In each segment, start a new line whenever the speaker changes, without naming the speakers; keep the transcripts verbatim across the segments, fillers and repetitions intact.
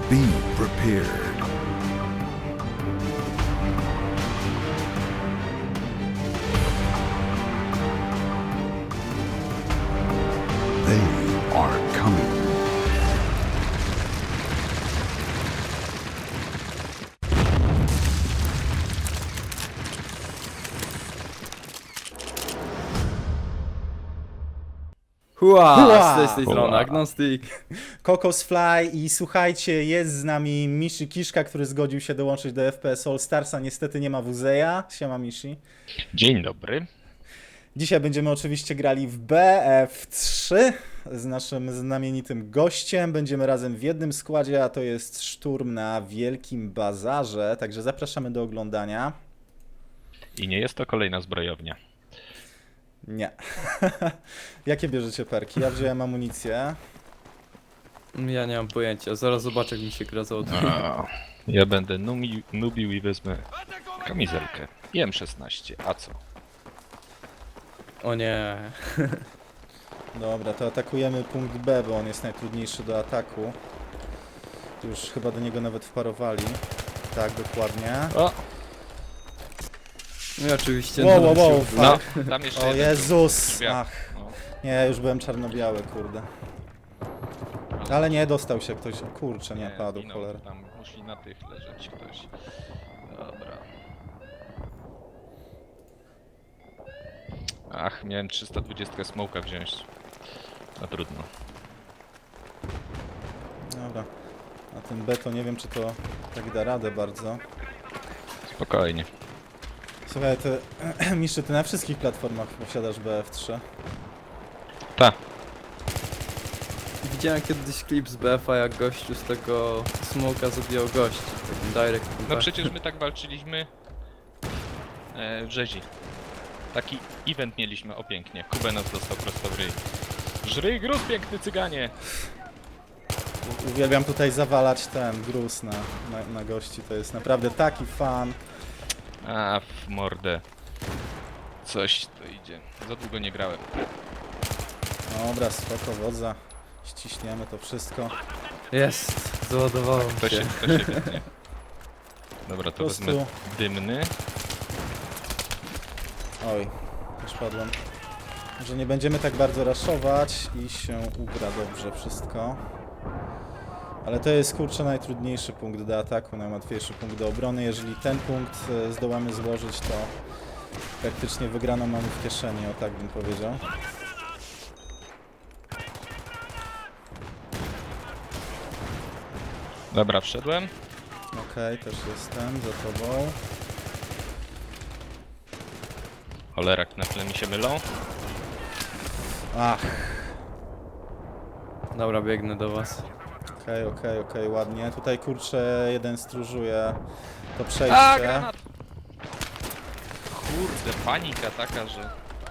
Be prepared. They are coming.
Hua!
Hua!
Z tej, z tej strony
Hua.
Agnostic.
Kokos Fly i słuchajcie, jest z nami Mishi Kiszka, który zgodził się dołączyć do F P S All Starsa. Niestety nie ma Wuzeja. Siema Mishi.
Dzień dobry.
Dzisiaj będziemy oczywiście grali w B F trzy z naszym znamienitym gościem. Będziemy razem w jednym składzie, a to jest szturm na Wielkim Bazarze. Także zapraszamy do oglądania.
I nie jest to kolejna zbrojownia.
Nie. Jakie bierzecie perki? Ja wziąłem amunicję.
Ja nie mam pojęcia, zaraz zobaczę jak mi się gra załaduje.
A, ja będę numi, nubił i wezmę kamizelkę. I M szesnaście, a co?
O nie.
Dobra, to atakujemy punkt B, bo on jest najtrudniejszy do ataku. Już chyba do niego nawet wparowali. Tak, dokładnie.
O!
No i oczywiście...
Wow,
no,
wow, wow,
się-
fuck.
No, tam jeszcze
O
jeden
Jezus!
drzwiach.
Ach,
No.
nie, już byłem czarno-biały, kurde. Ale nie, dostał się ktoś. Kurczę, nie, padł,
zginął,
cholera.
Tam musi na tych leżeć ktoś. Dobra. Ach, miałem trzysta dwadzieścia smoka wziąć. No trudno.
Dobra. A ten B to nie wiem, czy to tak da radę bardzo.
Spokojnie.
Słuchaj, ty, Miszy, ty na wszystkich platformach posiadasz B F trzy.
Ta.
Widziałem kiedyś klip z B F a, jak gościu z tego smoka zabijał gości. Takim direct
No
impact.
przecież my tak walczyliśmy e, w rzezi. Taki event mieliśmy, o pięknie. Kubenos dostał prosto w ryj. Żryj gruz, piękny cyganie!
U- Uwielbiam tutaj zawalać ten gruz na, na, na gości. To jest naprawdę taki fan.
A, w mordę. Coś to idzie. Za długo nie grałem.
Dobra, spoko, wodza. Ściśniemy to wszystko.
Jest! Załadowałem
To
się.
się, to się wytnie. Dobra, to
Po prostu-
wezmę dymny.
Oj, już padłem. Może nie będziemy tak bardzo raszować i się ugra dobrze wszystko. Ale to jest kurczę najtrudniejszy punkt do ataku, najłatwiejszy punkt do obrony. Jeżeli ten punkt e, zdołamy złożyć, to praktycznie wygraną mamy w kieszeni, o tak bym powiedział.
Dobra, wszedłem.
Okej, też jestem za tobą.
Cholera, na tle mi się mylą.
Ach,
Dobra, biegnę do was.
okej, okej, okej, ładnie. Tutaj kurczę jeden stróżuje to
A,
przejście.
granat! Kurde, panika taka, że...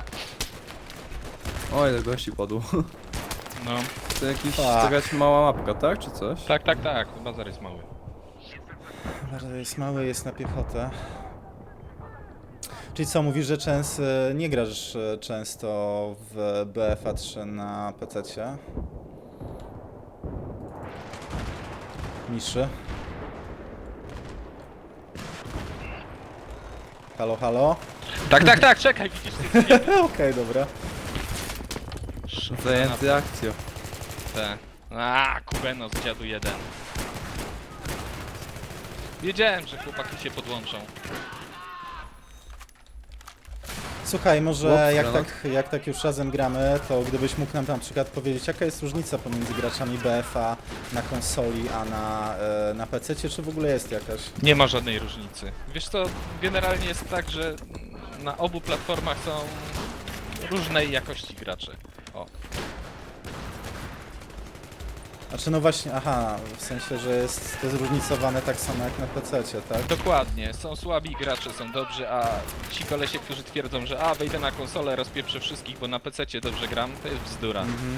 O, ile gości padło.
No,
To jakiś,
Fuck.
jakaś mała mapka, tak? Czy coś?
tak, tak, tak. Bazar jest mały.
Bardzo jest mały, jest na piechotę. Czyli co, mówisz, że częs, nie grasz e, często w B F A trzy na pececie? Miszy? Halo, halo?
Tak, tak, tak, czekaj, widzisz ty.
Okej, dobra.
Zajęty akcją.
Te. A, Kubenos, dziadu jeden. Wiedziałem, że chłopaki się podłączą.
Słuchaj, może
Ups,
jak,
granat.
tak, jak tak już razem gramy, to gdybyś mógł nam na przykład powiedzieć, jaka jest różnica pomiędzy graczami B F A na konsoli, a na, e, na pececie, czy w ogóle jest jakaś?
Nie ma żadnej różnicy. Wiesz co, generalnie jest tak, że na obu platformach są różnej jakości gracze. O,
Znaczy no właśnie, aha, w sensie, że jest to zróżnicowane tak samo jak na pececie, tak?
dokładnie. Są słabi gracze, są dobrzy, a ci kolesie, którzy twierdzą, że a, wejdę na konsolę, rozpieprzę wszystkich, bo na pececie dobrze gram, to jest bzdura.
Mhm.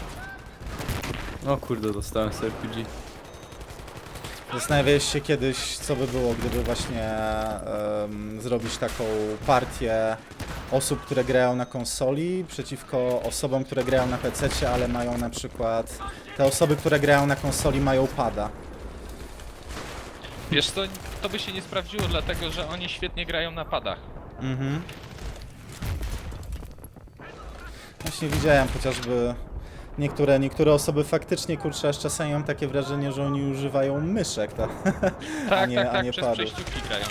O kurde, dostałem z R P G.
Zastanawiałeś się kiedyś, co by było, gdyby właśnie em, zrobić taką partię osób, które grają na konsoli przeciwko osobom, które grają na pececie, ale mają na przykład... Te osoby, które grają na konsoli mają pada.
Wiesz co, to by się nie sprawdziło, dlatego że oni świetnie grają na padach.
Mhm. Właśnie widziałem chociażby niektóre, niektóre osoby faktycznie, kurczę, aż czasami mam takie wrażenie, że oni używają myszek, tak?
Tak,
a nie,
tak,
a
tak,
nie
przez
padów.
przejściówki grają.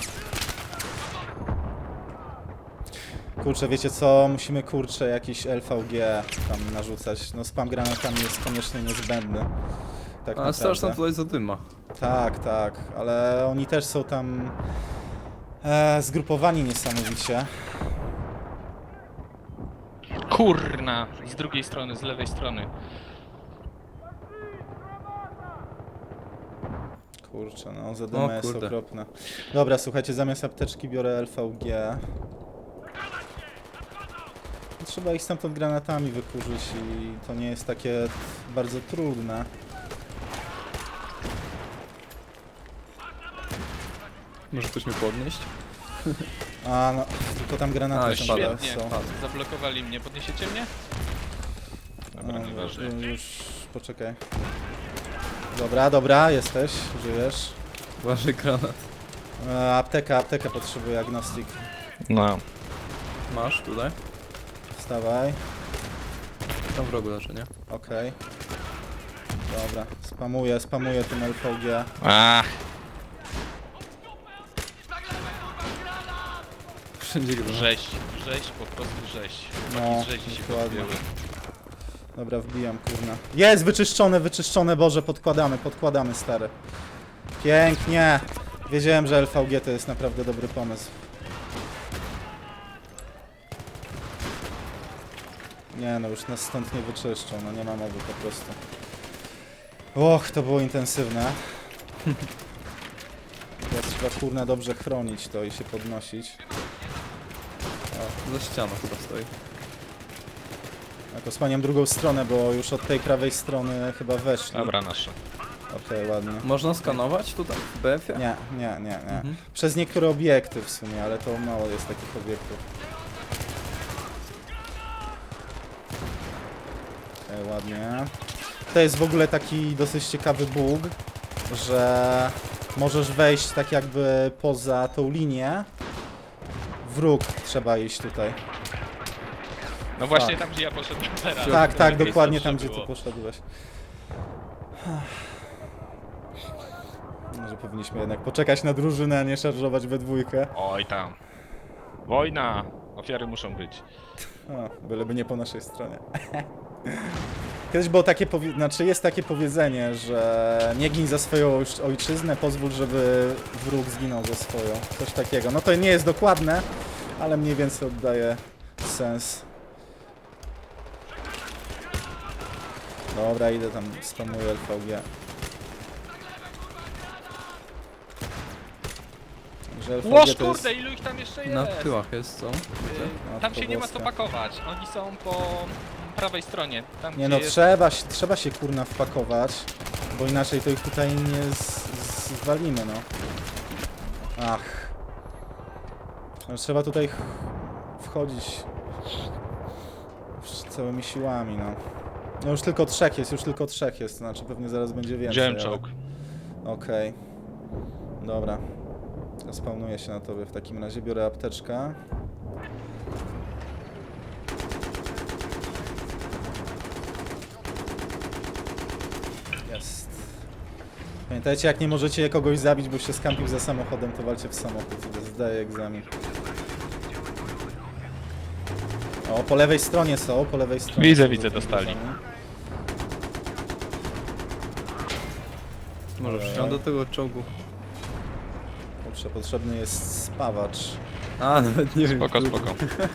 Kurczę, wiecie co? Musimy, kurczę, jakiś L V G tam narzucać. No spam granatami jest koniecznie niezbędny. Tak
A straszna
naprawdę.
tutaj zadyma.
Tak, tak, ale oni też są tam e, zgrupowani niesamowicie.
Kurna! Z drugiej strony, z lewej strony.
Kurczę, no zadyma
O
jest
kurde.
okropna. Dobra, słuchajcie, zamiast apteczki biorę L V G. Trzeba ich stamtąd granatami wykurzyć i to nie jest takie bardzo trudne.
Może ktoś mnie podnieść?
A no, tylko tam
A,
granaty
już
są.
pada.
teraz
Świetnie.
są.
Zablokowali mnie. Podniesiecie mnie? Dobra,
A,
nieważne.
już, już, poczekaj. Dobra, dobra, jesteś, żyjesz.
Uważaj granat.
E, apteka, apteka potrzebuje, agnostik.
No.
Masz tutaj?
Wstawaj,
Tam w rogu leży, nie?
okej. Dobra, spamuję, spamuję tym L V G.
Ach,
Wszędzie granat.
rzeź. Rzeź, po prostu rzeź.
No,
No, rzezi się
dokładnie.
podbiły.
Dobra, wbijam, kurna. Jest, wyczyszczone, wyczyszczone, Boże, podkładamy, podkładamy, stary. Pięknie. Wiedziałem, że L V G to jest naprawdę dobry pomysł. Nie no, już nas stąd nie wyczyszczą, no nie ma mowy po prostu. Och, to było intensywne. Teraz trzeba, kurna, dobrze chronić to i się podnosić.
O, za ścianą chyba stoi.
A to spaniam drugą stronę, bo już od tej prawej strony chyba weszli.
Dobra, nasze.
Okej, ładnie.
Można skanować tutaj w B F-ie?
Nie, nie, nie, nie.
Mhm.
Przez niektóre obiekty w sumie, ale to mało jest takich obiektów. Okej, ładnie. To jest w ogóle taki dosyć ciekawy bug, że możesz wejść tak jakby poza tą linię. W róg trzeba iść tutaj.
No właśnie tam, gdzie ja poszedłem teraz.
Tak, tak,
Lepiej
dokładnie
zawsze
tam, gdzie
było.
ty poszedłeś. Może powinniśmy jednak poczekać na drużynę, a nie szarżować we dwójkę.
Oj tam. Wojna! Ofiary muszą być.
O, byleby nie po naszej stronie. Kiedyś było takie powie... znaczy jest takie powiedzenie, że nie gin za swoją ojcz- ojczyznę, pozwól, żeby wróg zginął za swoją. Coś takiego. No to nie jest dokładne, ale mniej więcej oddaje sens. Dobra, idę tam, spamuję L V G. Że L V G
Łoż
to jest...
kurde, ilu ich tam jeszcze jest?
Na tyłach jest, co?
Yy,
No,
Tam się nie ma co
pogłoska.
pakować. Oni są po prawej stronie. Tam,
Nie
gdzie
no,
jest...
trzeba, się- trzeba się kurna wpakować, bo inaczej to ich tutaj nie z, z, zwalimy, no. Ach. No, trzeba tutaj ch- wchodzić wsz- całymi siłami, no. No już tylko trzech jest, już tylko trzech jest, znaczy pewnie zaraz będzie więcej.
Wziąłem
ale-
czołg.
Okej. Dobra. Spawnuję się na tobie w takim razie, biorę apteczkę. Jest. Pamiętajcie, jak nie możecie kogoś zabić, bo się skampił za samochodem, to walcie w samochód. Zdaję egzamin. O, po lewej stronie są, po lewej stronie.
Widzę,
są
widzę,
za
dostali.
bluzami.
Może wsiądę do tego czołgu.
Kurczę, potrzebny jest spawacz.
A, nawet nie wiem.
Spoko,
który.
spoko.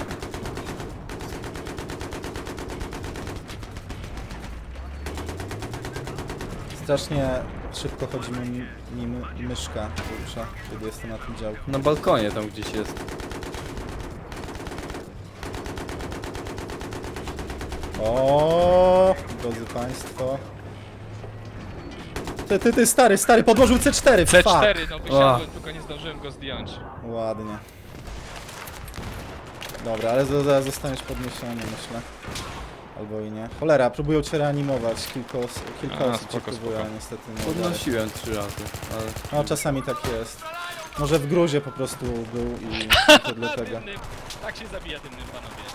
Strasznie szybko chodzi mi, mi my- myszka, kurczę, kiedy jestem na tym działku.
Na balkonie tam gdzieś jest.
O, drodzy państwo. Ty, ty, ty, stary, stary, podłożył C cztery,
C
fuck.
cztery, no wysiadłem, tylko nie zdążyłem go zdjąć.
Albo i nie. Cholera, próbują cię reanimować. Kilka, os kilka
A,
osób cię
spoko,
próbuje,
spoko.
ale niestety nie udaje.
Podnosiłem trzy razy, ale...
No czasami tak jest. Może w gruzie po prostu był i to dlatego.
Dymnym. Tak się zabija dymnym, panowie.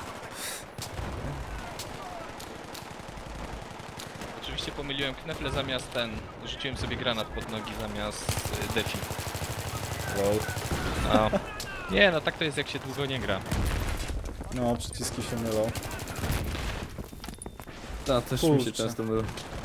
Oczywiście pomyliłem knefle zamiast ten. Rzuciłem sobie granat pod nogi zamiast y, defi.
Wow.
No. Nie, no tak to jest jak się długo nie gra.
No, przyciski się mylą.
Tak, też mi się
Kurczę.
często mylą.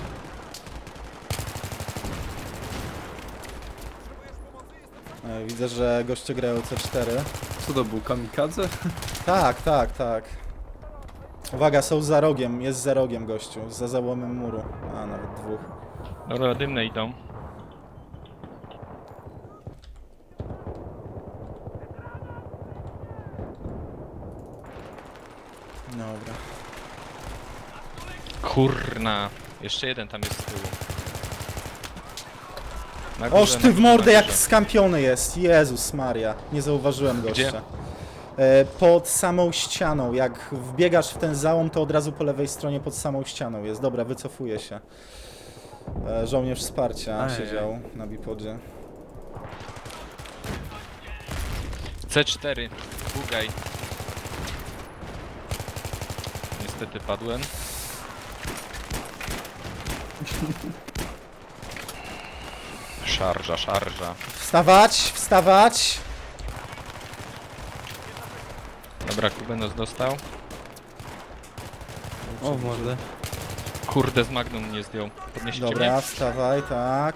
E, Widzę, że goście grają C cztery.
Co to był, kamikadze?
Tak, tak, tak. Uwaga, są za rogiem, jest za rogiem gościu, za załomem muru. A, nawet dwóch.
Dobra, dymne idą.
Dobra.
Kurna. Jeszcze jeden tam jest z tyłu. Na górze,
Oż
na
ty w
górze,
mordę
na
jak
górze.
skampiony jest, Jezus Maria. Nie zauważyłem
Gdzie?
gościa. E, pod samą ścianą, jak wbiegasz w ten załom, to od razu po lewej stronie pod samą ścianą jest. Dobra, wycofuję się. E, żołnierz wsparcia
Ajaj.
siedział na bipodzie.
C cztery. Bugaj. Niestety padłem. Szarża, szarża.
Wstawać, wstawać!
Dobra, Kubenos dostał.
O, mordę.
Kurde, z Magnum nie zdjął. Podnieście
Dobra,
mnie?
wstawaj, tak.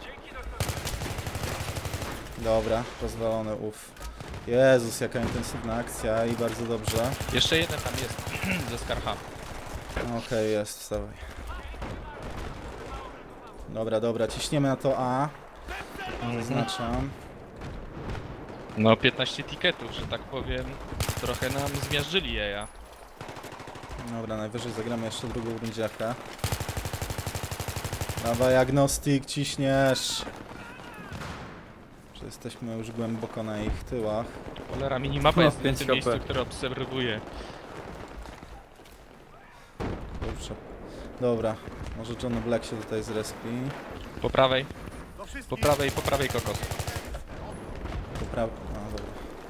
Dobra, rozwalony, uff. Jezus, jaka intensywna akcja i bardzo dobrze.
Jeszcze jeden tam jest. Ze Skarha.
Okej, jest, wstawaj. Dobra, dobra, ciśniemy na to A. Zaznaczam.
No, piętnaście tiketów, że tak powiem. Trochę nam zmiażdżyli jeja.
Dobra, najwyżej zagramy jeszcze drugą rundziakę. Dawaj, agnostik, ciśniesz. Że jesteśmy już głęboko na ich tyłach.
Cholera, minimapa
No,
jest w
pięć
tym
K P.
miejscu, które obserwuję.
Kurczę. Dobra, może John Black się tutaj zrespi.
Po prawej. Po prawej, po prawej kokos.
Popra... A, dobra.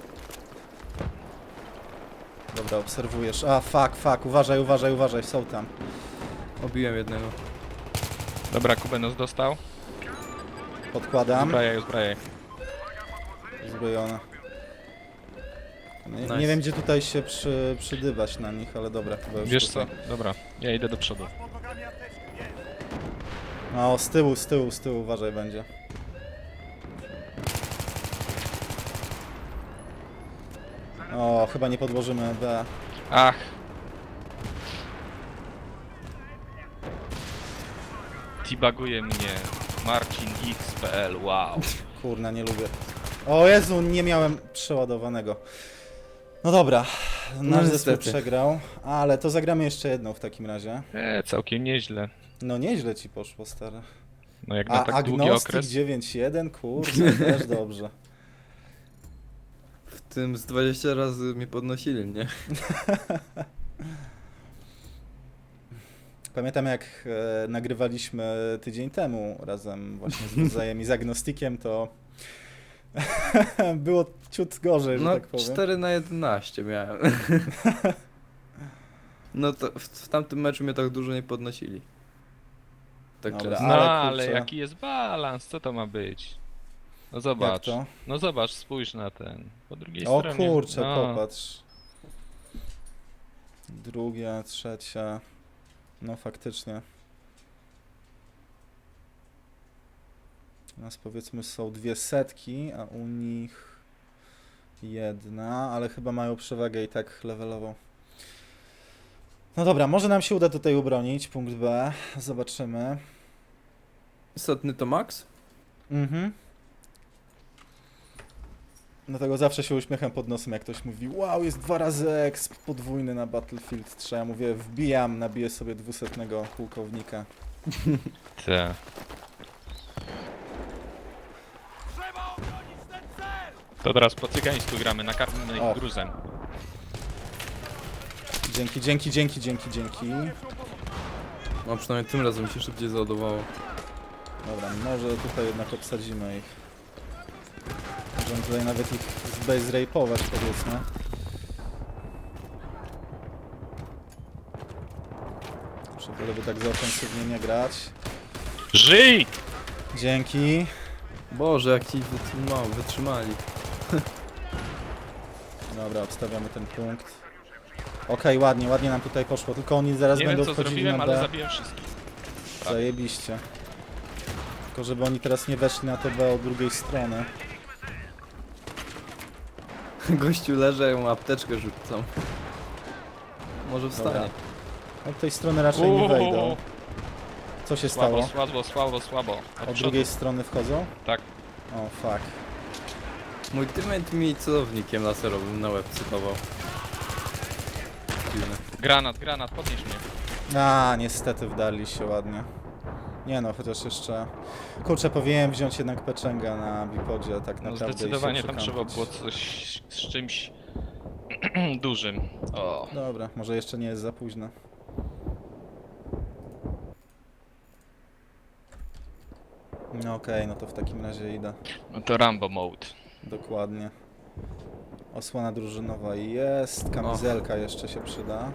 Dobra, obserwujesz. A, fuck, fuck, uważaj, uważaj, uważaj, są tam.
Obiłem jednego.
Dobra, Kubenos dostał.
Podkładam.
Zbrajaj, zbrajaj.
Uzbrojone. Nie,
Nice.
nie wiem, gdzie tutaj się przy, przydybać na nich, ale dobra, chyba już
Wiesz co?
tutaj.
Dobra, ja idę do przodu.
No, z tyłu, z tyłu, z tyłu, uważaj będzie. O, chyba nie podłożymy B.
Ach. Tibaguje mnie Marcin X P L, wow.
Kurna, nie lubię. O Jezu, nie miałem przeładowanego. No dobra, nasz zespół
niestety.
przegrał, ale to zagramy jeszcze jedną w takim razie.
E, całkiem nieźle.
No nieźle ci poszło, stary.
No jak na
A
tak długi
Agnostik
okres.
dziewięć jeden, kurde, też dobrze.
W tym z dwadzieścia razy mnie podnosili, nie?
Pamiętam jak e, nagrywaliśmy tydzień temu razem właśnie z Budzajem i z Agnostikiem, to było ciut gorzej, że
No,
tak powiem.
cztery na jedenaście miałem. No to w, w tamtym meczu mnie tak dużo nie podnosili. Tak
Dobra,
często.
No
ale
ale,
kurczę.
jaki jest balans, co to ma być? No
Jak
zobacz.
to?
No zobacz, spójrz na ten. Po drugiej
O
stronie.
kurczę,
no.
popatrz. Drugie, trzecie. No faktycznie. U nas powiedzmy są dwie setki, a u nich jedna, ale chyba mają przewagę i tak levelową. No dobra, może nam się uda tutaj ubronić, punkt B. Zobaczymy.
Istotny to max?
Mhm. Dlatego zawsze się uśmiecham pod nosem, jak ktoś mówi: wow, jest dwa razy exp podwójny na Battlefield trzy. Ja mówię: wbijam, nabiję sobie dwusetnego pułkownika.
Te. To teraz po cygańsku gramy, nakarmimy
O.
ich gruzem.
Dzięki, dzięki, dzięki, dzięki, dzięki.
No przynajmniej tym razem mi się szybciej załadowało.
Dobra, może tutaj jednak obsadzimy ich. Możemy tutaj nawet ich zbase rape'ować, powiedzmy. Żeby tak za ofensywnie nie grać.
Żyj!
Dzięki.
Boże, jak ci wytrzyma, wytrzymali.
Dobra, obstawiamy ten punkt. Okej, ładnie, ładnie nam tutaj poszło, tylko oni zaraz
Nie
będą
wiem co
wchodzili
zrobiłem,
na
ale
B.
zabiłem wszystkich. tak.
Zajebiście. Tylko żeby oni teraz nie weszli na to B od drugiej strony.
Gościu leży, ja mu apteczkę rzucam. Może
Dobra.
wstanie.
Od tej strony raczej nie wejdą. Co się
Słabo,
stało?
słabo, słabo, słabo. Od
Od
przodu.
drugiej strony wchodzą?
Tak.
O, fuck.
Mój teammate mi celownikiem laserowym na łeb cytował. Dziwne.
Granat, granat, podnieś mnie.
A, niestety wdarli się ładnie. Nie no, chociaż jeszcze... Kurczę, powinienem wziąć jednak peczęga na bipodzie, tak
No
naprawdę. i się
zdecydowanie tam trzeba
przekampić.
było coś z czymś dużym. O.
Dobra, może jeszcze nie jest za późno. No okej, no to w takim razie idę.
No to Rambo mode.
Dokładnie. Osłona drużynowa jest, kamizelka jeszcze się przyda.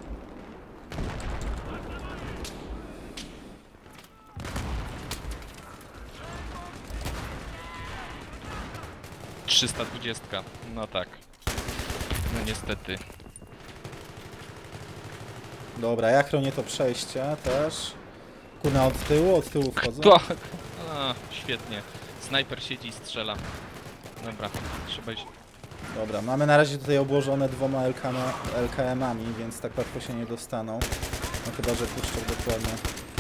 trzysta dwadzieścia. No tak. No niestety.
Dobra, ja chronię to przejście też. Kurna, od tyłu, od tyłu wchodzą.
To... A, świetnie. Snajper siedzi i strzela. Dobra, trzeba iść.
Dobra, mamy na razie tutaj obłożone dwoma L K M-ami, więc tak łatwo się nie dostaną. No chyba, że puszczę dokładnie.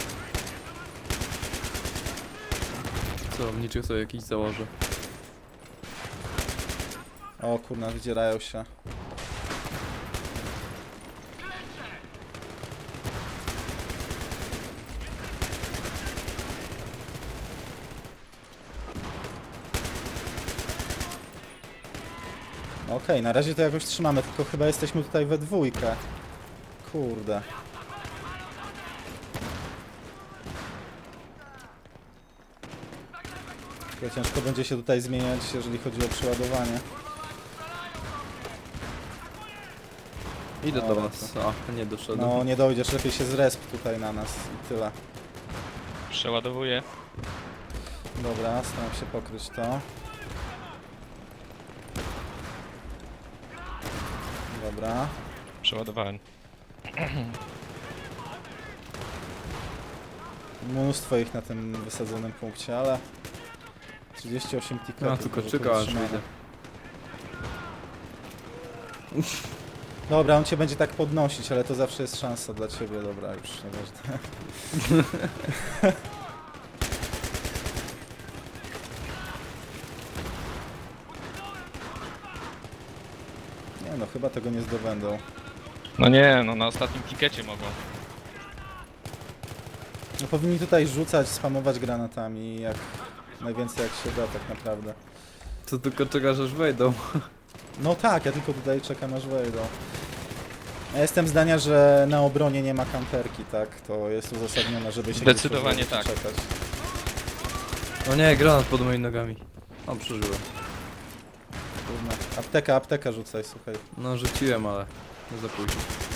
Celowniczych sobie jakiś założę.
O kurna, wydzierają się. Okej, na razie to jakoś trzymamy, tylko chyba jesteśmy tutaj we dwójkę. Kurde. Tylko ciężko będzie się tutaj zmieniać, jeżeli chodzi o przeładowanie.
Idę do
Dobra,
was. A, nie doszedłem.
No nie dojdziesz, lepiej się zresp tutaj na nas i tyle.
Przeładowuję.
Dobra, staram się pokryć to. Dobra.
Przeładowałem.
Mnóstwo ich na tym wysadzonym punkcie, ale... trzydzieści osiem tiketów.
No, tylko
może
czekał aż
utrzymane.
wyjdzie.
Dobra, on cię będzie tak podnosić, ale to zawsze jest szansa dla ciebie. Dobra, już nieważne. Nie no, chyba tego nie zdobędą.
No nie, no na ostatnim tikecie mogą.
No powinni tutaj rzucać, spamować granatami, jak najwięcej jak się da tak naprawdę.
To tylko czekasz aż wejdą.
No tak, ja tylko tutaj czekam aż wejdą. Ja jestem zdania, że na obronie nie ma kamperki, tak? To jest uzasadnione, żeby się
Zdecydowanie
gdzieś
tak.
czekać.
O nie, granat pod moimi nogami. O, przeżyłem.
Kurna. Apteka, apteka rzucaj, słuchaj.
No, rzuciłem, ale nie za późno.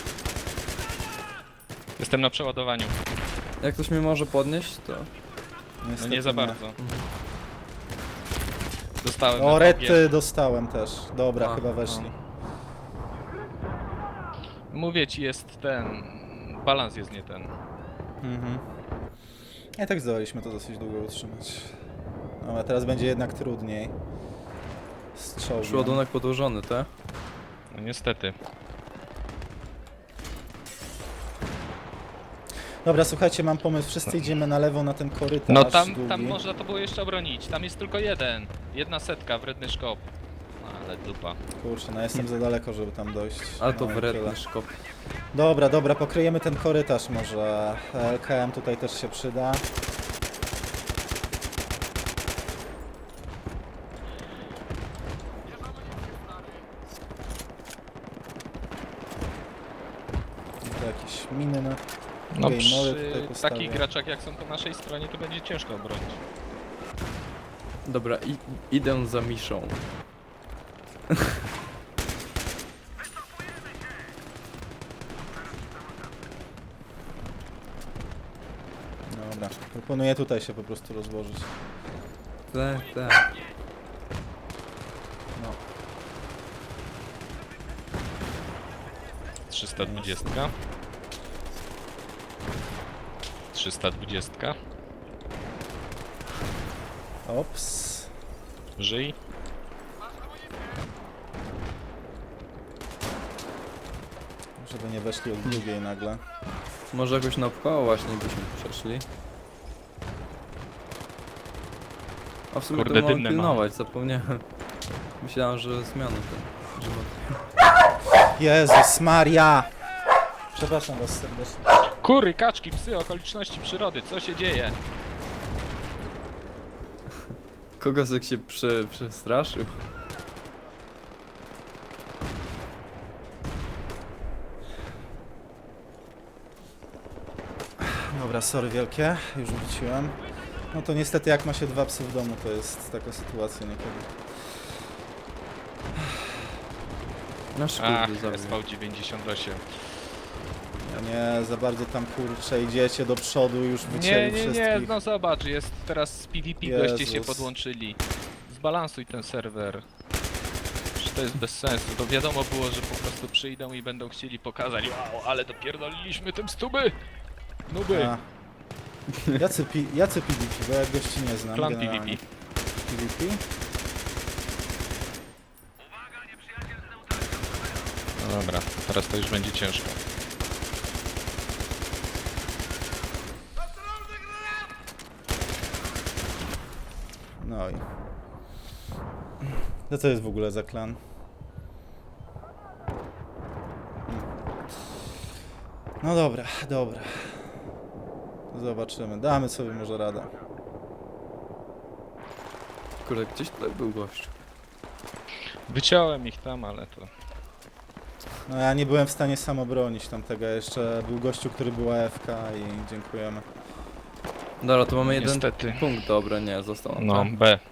Jestem na przeładowaniu.
Jak ktoś mnie może podnieść, to...
No
Niestety
nie za bardzo. Dostałem.
O,
na
rety
tobie.
dostałem też. Dobra,
A,
chyba weszli.
Mówię ci, jest ten... Balans jest nie ten.
Mhm. I tak zdołaliśmy to dosyć długo utrzymać. No, ale teraz będzie jednak trudniej. Z czołgiem.
Przyładunek podłożony, tak?
No niestety.
Dobra, słuchajcie, mam pomysł. Wszyscy idziemy na lewo na ten korytarz
No tam,
długi.
tam można to było jeszcze obronić. Tam jest tylko jeden. Jedna setka, wredny szkop. No, ale dupa.
Kurczę, no jestem za daleko, żeby tam dojść.
Ale to
No i tyle.
wredny szkop.
Dobra, dobra, pokryjemy ten korytarz może. L K M tutaj też się przyda. jakieś miny na...
No
Okej, mole
przy
tutaj postawię.
takich graczach jak są po naszej stronie to będzie ciężko obronić.
Dobra, i, idę za Miszą.
Dobra, proponuję tutaj się po prostu rozłożyć.
Tak, tak.
No,
trzysta dwadzieścia. trzysta dwadzieścia.
ops.
Żyj.
Żeby nie weszli od drugiej nagle.
Może jakoś naokoło właśnie byśmy przeszli. A w sumie
Kurde,
to mam
dymne
pilnować, zapomniałem. Myślałem, że zmiany ten. Że ma...
Jezus Maria! Przepraszam was serdecznie.
Kury, kaczki, psy, okoliczności przyrody, co się dzieje?
Kogosek się prze, przestraszył.
Dobra, sorry wielkie, już wróciłem. No to niestety jak ma się dwa psy w domu, to jest taka sytuacja niekiedy.
Nasz
Ach,
kurde
S V dziewięćdziesiąt osiem.
Nie, za bardzo tam kurczę idziecie do przodu, już
Nie,
wycięli
nie,
wszystkich.
nie, no zobacz, jest teraz z P V P, goście się
Jezus.
podłączyli. Zbalansuj ten serwer. Że to jest bez sensu. To wiadomo było, że po prostu przyjdą i będą chcieli pokazać, wow, ale dopierdoliliśmy tym stuby! Nuby!
A. Jacy, pi, jacy P V P, bo ja gości nie znam
Plan P V P.
generalnie. P V P?
No dobra, teraz to już będzie ciężko.
No i... No co jest w ogóle za klan? Hmm. No dobra, dobra. Zobaczymy, damy sobie może radę.
Kurde, gdzieś tutaj był gość.
Wyciąłem ich tam, ale to...
No ja nie byłem w stanie sam obronić tamtego, jeszcze był gościu, który był A F K i dziękujemy.
Dobra, to mamy jeden
Niestety.
punkt, dobra, nie, został nam
No,
tak.
B.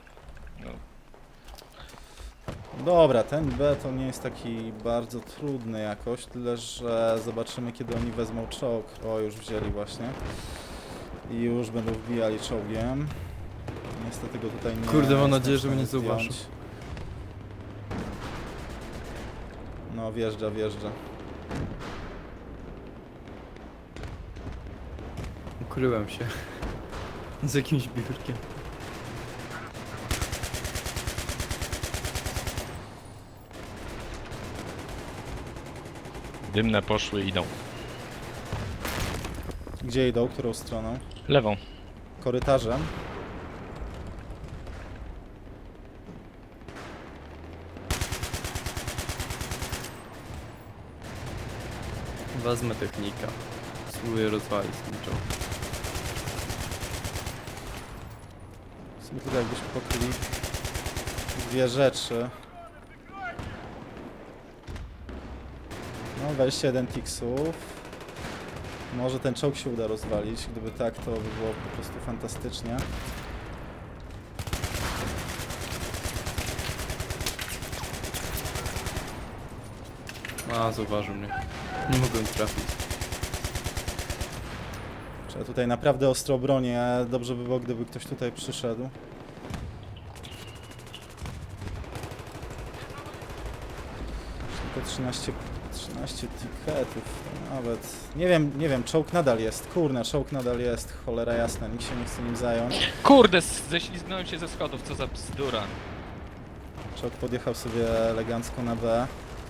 Dobra, ten B to nie jest taki bardzo trudny jakoś, tyle że zobaczymy kiedy oni wezmą czołg. O, już wzięli właśnie. I już będą wbijali czołgiem. Niestety go tutaj nie...
Kurde, mam
jestem
nadzieję,
w
że mnie
stanie
nie zauważył.
zdjąć. No, wjeżdża, wjeżdża.
Ukryłem się. Z jakimś biurkiem.
Dymne poszły, idą.
Gdzie idą? Którą stroną?
Lewą.
Korytarzem?
Wezmę technika. Spróbuję rozwalić ten czołg.
W sumie tutaj jakbyśmy pokryli dwie rzeczy. No, dwadzieścia jeden tiksów. Może ten czołg się uda rozwalić. Gdyby tak, to by było po prostu fantastycznie.
A, zauważył mnie. Nie mogłem trafić.
Trzeba tutaj naprawdę ostro bronię. Dobrze by było, gdyby ktoś tutaj przyszedł. Tylko trzynaście, trzynaście tiketów. Nawet. Nie wiem, nie wiem, czołg nadal jest. Kurna, czołg nadal jest. Cholera jasna, nikt się nie chce nim zająć.
Kurde, ześlizgnąłem się ze schodów, co za bzdura.
Czołg podjechał sobie elegancko na B.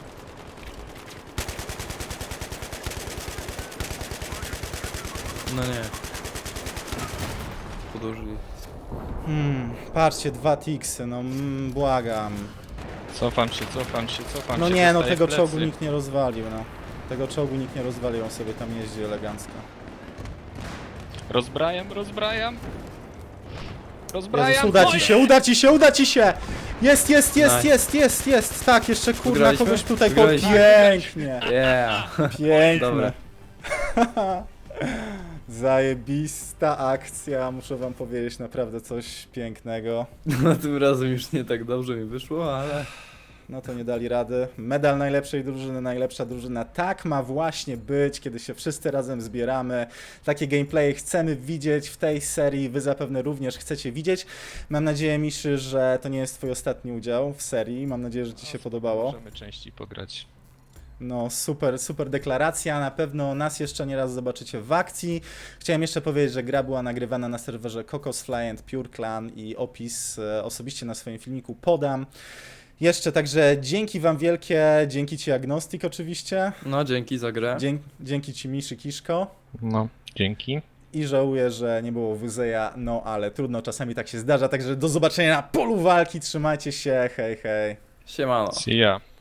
No nie. Podłożyli.
Hmm, patrzcie, dwa tiksy, no mm, błagam.
Cofam się, cofam się, cofam
No
się.
nie, no
dostaję
tego
w
czołgu
plecy.
nikt nie rozwalił, no. Tego czołgu nikt nie rozwalił, on sobie tam jeździ elegancko.
Rozbrajam, rozbrajam. Rozbrajam.
Jezus, uda ci
moje!
się, uda ci się, uda ci się! Jest, jest, jest,
Nice.
jest, jest, jest! Tak, jeszcze kurna
Wygraliśmy?
kogoś tutaj po...
Wygraliśmy?
Pięknie!
Yeah!
Piękne!
Dobra.
Zajebista akcja, muszę wam powiedzieć naprawdę coś pięknego.
No tym razem już nie tak dobrze mi wyszło, ale...
No to nie dali rady. Medal najlepszej drużyny, najlepsza drużyna. Tak ma właśnie być, kiedy się wszyscy razem zbieramy. Takie gameplaye chcemy widzieć w tej serii. Wy zapewne również chcecie widzieć. Mam nadzieję, Miszy, że to nie jest twój ostatni udział w serii. Mam nadzieję, że ci się podobało.
Możemy częściej pograć.
No super, super deklaracja. Na pewno nas jeszcze nie raz zobaczycie w akcji. Chciałem jeszcze powiedzieć, że gra była nagrywana na serwerze Cocosfly and Pure Clan i opis e, osobiście na swoim filmiku podam. Jeszcze także dzięki wam wielkie, dzięki ci Agnostik oczywiście,
No dzięki za grę.
dzięki, dzięki ci Miszy Kiszko
No, dzięki.
i żałuję, że nie było Wuzeja, no ale trudno, czasami tak się zdarza, także do zobaczenia na polu walki, trzymajcie się, hej hej.
Siemano.
See ya.